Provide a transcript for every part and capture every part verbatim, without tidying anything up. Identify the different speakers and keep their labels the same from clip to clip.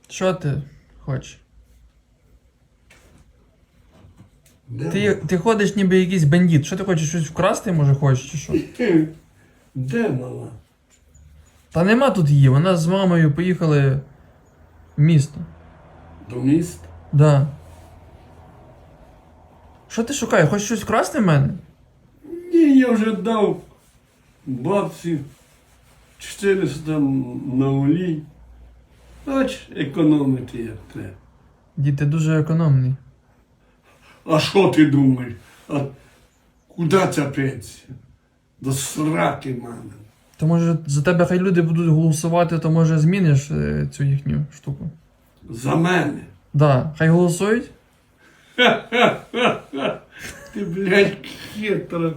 Speaker 1: Що ти хочеш?
Speaker 2: Де
Speaker 1: Ти, ти ходиш ніби якийсь бандит. Що ти хочеш, щось вкрасти, може, хочеш, чи що?
Speaker 2: мала? Де мала?
Speaker 1: Та нема тут її, вона з мамою поїхали в місто.
Speaker 2: До міста?
Speaker 1: Да. Що ти шукаєш? Хочеш щось вкрасти в мене?
Speaker 2: Ні, я вже дав бабці чотириста на олій. Хоч економити як треба.
Speaker 1: Дід, ти дуже економний.
Speaker 2: А що ти думаєш? А куди ця пенсія? До сраки, мама.
Speaker 1: То може за тебе хай люди будуть голосувати, то може зміниш е, цю їхню штуку.
Speaker 2: За мене.
Speaker 1: Да, хай голосують.
Speaker 2: Ти, блядь, хитра.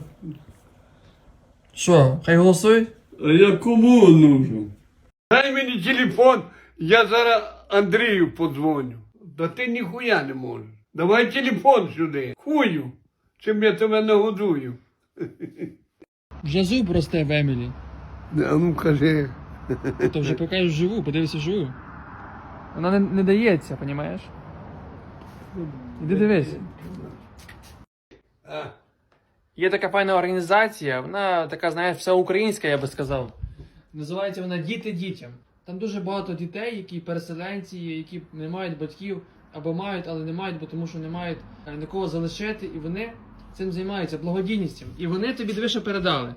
Speaker 1: Що, хай голосують?
Speaker 2: А я кому нужен? Дай мені телефон, я зараз Андрію подзвоню. Да ти ніхуя не можеш. Давай телефон сюди. Хую, чим я тебе нагодую.
Speaker 1: Вже зуб росте в Емілі.
Speaker 2: А ну кажи.
Speaker 1: То вже покажеш живу, подивися живу. Вона не, не дається, розумієш? Іди дивись.
Speaker 2: А,
Speaker 1: Є така файна організація, вона така, знаєш, всеукраїнська, я би сказав. Називається вона «Діти дітям». Там дуже багато дітей, які переселенці, які не мають батьків, або мають, але не мають, бо тому що не мають е, нікого залишити, і вони цим займаються, благодійністю. І вони тобі диви, що передали.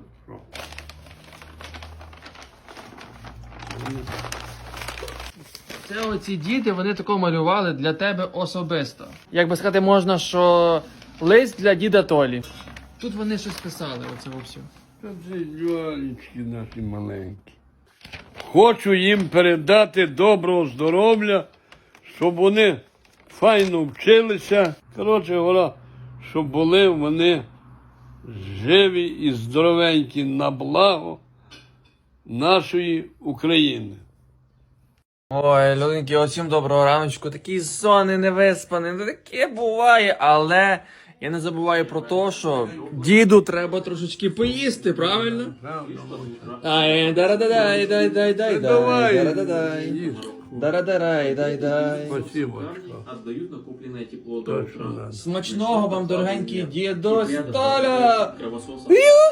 Speaker 1: Це оці діти, вони тако малювали для тебе особисто. Як би сказати, можна, що лист для діда Толі. Тут вони щось писали, оце все.
Speaker 2: Та це дюалічки наші маленькі. Хочу їм передати доброго здоров'я, щоб вони файно вчилися. Коротше говоря, щоб були вони живі і здоровенькі на благо нашої України.
Speaker 1: Ой, людинки, усім доброго раночку. Такий сонний, невиспаний, ну таке буває, але я не забуваю про те, що діду треба трошечки поїсти, правильно? Ай, дара-дай, дай, дай, дай,
Speaker 2: Давай,
Speaker 1: дара-дай,
Speaker 2: їж.
Speaker 1: дара-дай, дай, дай.
Speaker 2: Спасибо.
Speaker 3: Отдают накопленное тепло до
Speaker 2: Точно,
Speaker 3: утра.
Speaker 2: да.
Speaker 1: Смачного вам, дорогенький дідусь Толя!
Speaker 3: Кровососа.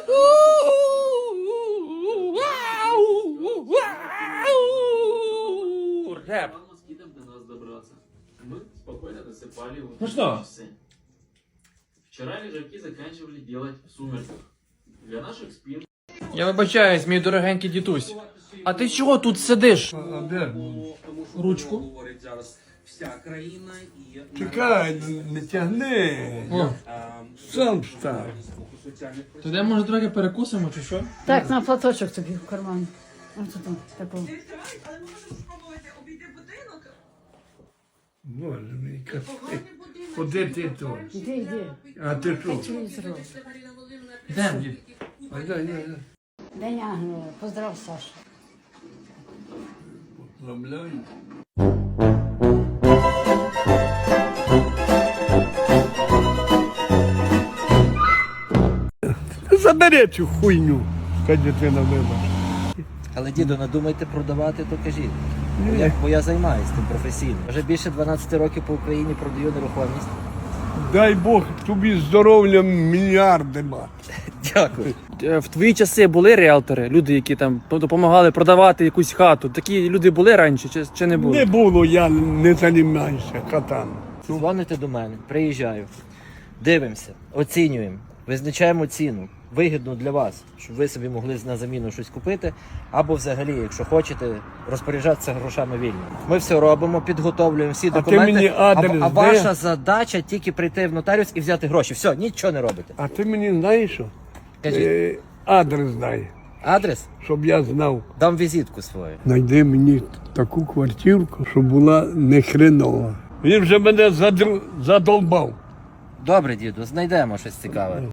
Speaker 1: Реп.
Speaker 3: План москитам до нас добраться. Мы спокойно досыпали уже
Speaker 1: Ну что?
Speaker 3: часы. Вчера лежаки заканчивали делать в сумерках. Для наших спин.
Speaker 1: Я вибачаюсь, мій дорогенький дідусь. А ти чого тут сидиш?
Speaker 2: А де?
Speaker 1: Ручку.
Speaker 4: Говорить зараз вся країна і
Speaker 2: Чекай, не тягни.
Speaker 1: О,
Speaker 2: Сам став.
Speaker 4: соціальних
Speaker 1: то де може трохи перекусимо чи що?
Speaker 5: Так, на платочок тобі в карман. Ось тут, такого.
Speaker 6: Відкривають, але ми можемо спробувати обійти будинок.
Speaker 2: Боже мій, капець.
Speaker 6: Поганий будинок.
Speaker 2: Куди ти тут?
Speaker 5: Іди, іди.
Speaker 2: А ти що?
Speaker 5: Телевізор.
Speaker 1: Йдемо, дід.
Speaker 2: А дай, дай, дай.
Speaker 5: День Ангела. Поздрав, Саша.
Speaker 2: Поздравляю. Забери цю хуйню, хай дитина вибачить.
Speaker 7: Але, діду, надумайте продавати, то кажіть. Бо я, бо я займаюся тим професійно. Вже більше дванадцять років по Україні продаю нерухомість.
Speaker 2: Дай Бог тобі здоров'я мільярди мати.
Speaker 7: Дякую.
Speaker 1: В твої часи були ріелтори, люди, які там допомагали продавати якусь хату. Такі люди були раніше чи, чи не були?
Speaker 2: Не було, я не займаюся хатами.
Speaker 7: Дзвоните до мене, приїжджаю. Дивимося, оцінюємо, визначаємо ціну, вигідну для вас, щоб ви собі могли на заміну щось купити, або взагалі, якщо хочете, розпоряджатися грошами вільно. Ми все робимо, підготовлюємо всі
Speaker 2: А ти
Speaker 7: документи,
Speaker 2: мені адрес
Speaker 7: а, а
Speaker 2: де?
Speaker 7: ваша задача тільки прийти в нотаріус і взяти гроші. Все, нічого не робите.
Speaker 2: А ти мені знаєш що?
Speaker 7: Кажіть,
Speaker 2: Е, адрес дай,
Speaker 7: адрес?
Speaker 2: щоб я знав.
Speaker 7: Дам візитку свою.
Speaker 2: Найди мені таку квартирку, щоб була не хренова. Він вже мене задр... задолбав.
Speaker 7: Добре, діду, знайдемо щось цікаве.